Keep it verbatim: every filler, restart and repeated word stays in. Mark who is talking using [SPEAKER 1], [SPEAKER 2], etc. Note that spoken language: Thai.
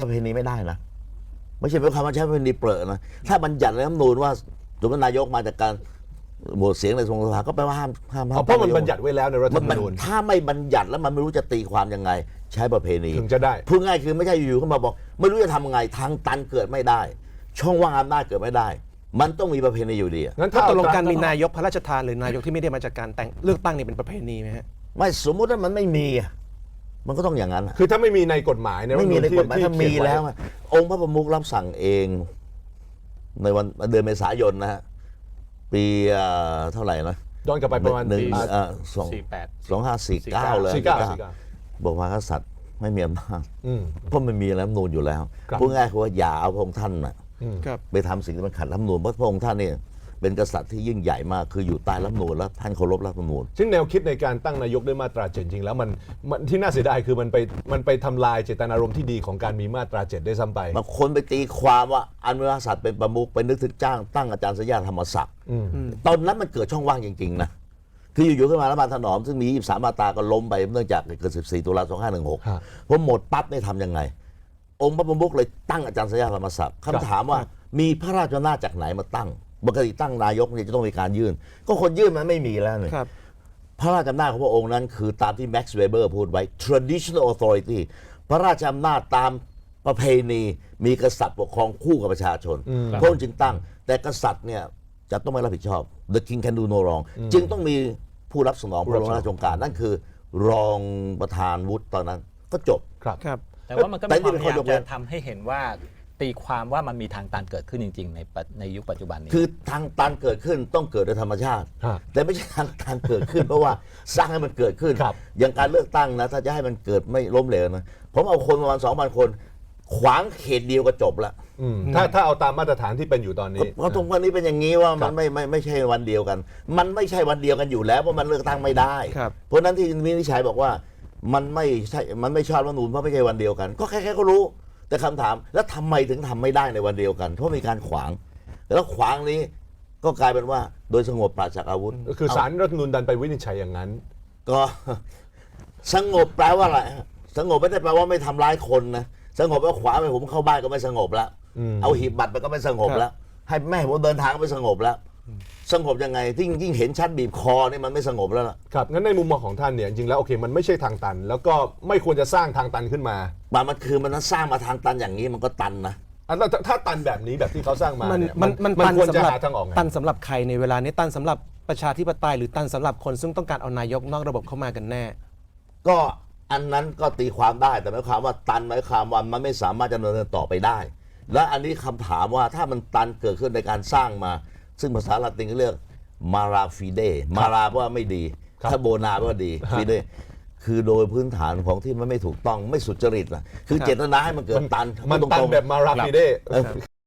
[SPEAKER 1] ประเพณีไม่ได้นะไม่ใช่เป็นคำว่าใช้ประเพณีเปรอะนะถ้าบัญญัติในรัฐธรรมนูญว่าสมมตินายกมาจากการโหวตเสียงในสภาก็แปลว่าห้ามห้ามห้าม
[SPEAKER 2] เพราะมันบัญญัติไว้แล้วในรัฐธรรมนูญ
[SPEAKER 1] ถ้าไม่บัญญัติแล้วมันไม่รู้จะตีความยังไงใช้ประเพณี
[SPEAKER 2] ถึงจะได้
[SPEAKER 1] พูดง่ายคือไม่ใช่อยู่ๆเข้ามาบอกไม่รู้จะทำยังไงทางตันเกิดไม่ได้ช่องว่างอำนาจเกิดไม่ได้มันต้องมีประเพณีอยู่ดี
[SPEAKER 3] งั้นถ้าตกลงการมีนายกพระราชทานหรือนายกที่ไม่ได้มาจากการแต่งเลือกตั้งนี่เป็นประเพณีไหมฮะ
[SPEAKER 1] ไม่สมมุติว่ามันไม่มีมันก็ต้องอย่างนั้น
[SPEAKER 2] คือถ้าไม่มีในกฎหมายใน
[SPEAKER 1] ไม่มีในกฎหมายถ้ามีแล้วองค์พระประมุขรับสั่งเองในวันเดือนเมษายนนะฮะปีเท่าไหร่นะ
[SPEAKER 2] ย้อนกลับไปประมาณ
[SPEAKER 1] หนึ่งสอง
[SPEAKER 4] สี่แปด
[SPEAKER 1] สองห้าสี่เก้าเลยบอกว่ากษัตริย์ไม่มีอำนาจเพราะมันมีรัฐธรรมนูญอยู่แล้วพูดง่ายคือว่าอย่าเอาพระองค์ท่านน่ะไปทำสิ่งที่มันขัดรัฐธรรมนูญเพราะพระองค์ท่านเนี่ยเป็นกษัตริย์ที่ยิ่งใหญ่มากคืออยู่ใต้รัฐธรรมนูญแล้วท่านเคารพรัฐธรรมนูญ
[SPEAKER 2] ซึ่งแนวคิดในการตั้งนายกด้วยมาตราเจ็ดจริงแล้วมันที่น่าเสียดายคือมันไปมันไปทำลายเจตนารมณ์ที่ดีของการมีมาตราเจ็ดได้ซ้ำไป
[SPEAKER 1] บางคนไปตีความว่าอนุรักษ์สัตว์เป็นประมุขไปนึกถึงจ้างตั้งอาจารย์สยามธรรมศักดิ์ตอนนั้นมันเกิดช่องว่างจริงๆนะคืออยู่ๆขึ้นมาแล้วมาถนอมซึ่งมียี่สิบสามมาตราก็ล้มไปเนื่องจากเกิดสิบสี่ตุลาสองห้าหนึ่งหกพอหมดปั๊บได้ทำยังไงองค์พระประมุขเลยตั้งอาจารย์สยามธรรมศักดิ์คำถามว่ามีพระราชอำนาจจากไหนมาตั้งปกติตั้งนายกเนี่ยจะต้องมีการยื่นก็คนยื่นมันไม่มีแล้วเนี่ยพระราชอำนาจของพระองค์นั้นคือตามที่แม็กซ์เวเบอร์พูดไว้ traditional authority พระราชอำนาจตามประเพณีมีกษัตริย์ปกครองคู่กับประชาชนพระองค์จึงตั้งแต่กษัตริย์เนี่ยจะต้องไม่รับผิดชอบ the king can do no wrong จึงต้องมีผู้รับสนองพระบรมราชโองการนั่นคือรองประธานวุฒิตอนนั้นก็จบ
[SPEAKER 4] ครับแต่ว่ามันก็มีความพยายามจะทำให้เห็นว่าตีความว่ามันมีทางตันเกิดขึ้นจริงๆในในยุคปัจจุบันนี้
[SPEAKER 1] คือทางตันเกิดขึ้นต้องเกิดโดยธรรมชาติแต่ไม่ใช่ทางตันเกิดขึ้นเพราะว่าสร้างให้มันเกิดขึ้นอย่างการเลือกตั้งนะถ้าจะให้มันเกิดไม่ล้มเหลวนะผมเอาคนประมาณสองพันคนขวางเขตเดียวก็จบละ
[SPEAKER 2] ถ้าถ้าเอาตามมาตรฐานที่เป็นอยู่ตอนนี้
[SPEAKER 1] เพราะตรงวันนี้เป็นอย่างนี้ว่ามันไม่ไม่ไม่ใช่วันเดียวกันมันไม่ใช่วันเดียวกันอยู่แล้วเพราะมันเลือกตั้งไม่ได้เพราะนั้นที่วินิจฉัยบอกว่ามันไม่ใช่มันไม่ชอบรัฐธรรมนูญเพราะไม่ใช่วันเดียวกันก็แค่แค่ก็รู้แต่คำถามแล้วทำไมถึงทำไม่ได้ในวันเดียวกันเพราะมีการขวางแล้วขวางนี้ก็กลายเป็นว่าโดยสงบปราศจากอาวุธ
[SPEAKER 2] คือศาลรัฐธรรมนูญดันไปวินิจฉัยอย่างนั้น
[SPEAKER 1] ก็สงบแปลว่าอะไรสงบไม่ได้แปลว่าไม่ทำร้ายคนนะสงบแล้วขวาไปผมเข้าบ้านก็ไม่สงบแล้วเอาหีบบัตรไปก็ไม่สงบแล้วให้แม่ผมเดินทางก็ไม่สงบแล้วสงบยังไงที่ยิ่งเห็นชัดบีบคอนี่มันไม่สงบแล้วล่ะ
[SPEAKER 2] ครับงั้นในมุมมองของท่านเนี่ยจริงแล้วโอเคมันไม่ใช่ทางตันแล้วก็ไม่ควรจะสร้างทางตันขึ้นมา
[SPEAKER 1] มันคือมันสร้างมาทางตันอย่างนี้มันก็ตันนะ
[SPEAKER 2] ถ้าตันแบบนี้แบบที่เขาสร้างมาเนี่ย
[SPEAKER 3] มัน
[SPEAKER 2] มันควรจะหาทางออก
[SPEAKER 3] ตันสำหรับใครในเวลานี้ตันสำหรับประชาธิปไตยหรือตันสำหรับคนซึ่งต้องการเอานายกนอกระบบเข้ามากันแน่
[SPEAKER 1] ก็อันนั้นก็ตีความได้แต่หมายความว่าตันหมายความว่ามันไม่สามารถจะดำเนินต่อไปได้และอันนี้คำถามว่าถ้ามันตันเกิดขึ้นในการสร้างมาซึ่งภาษาละตินก็เรียกมาราฟิเดมาราว่าไม่ดีถ้าโบนาว่าดีฟิเดคือโดยพื้นฐานของที่มันไม่ถูกต้องไม่สุจริตล่ะคือเจตนาให้มันเกิดตัน
[SPEAKER 2] มันตันแบบมาราฟิเด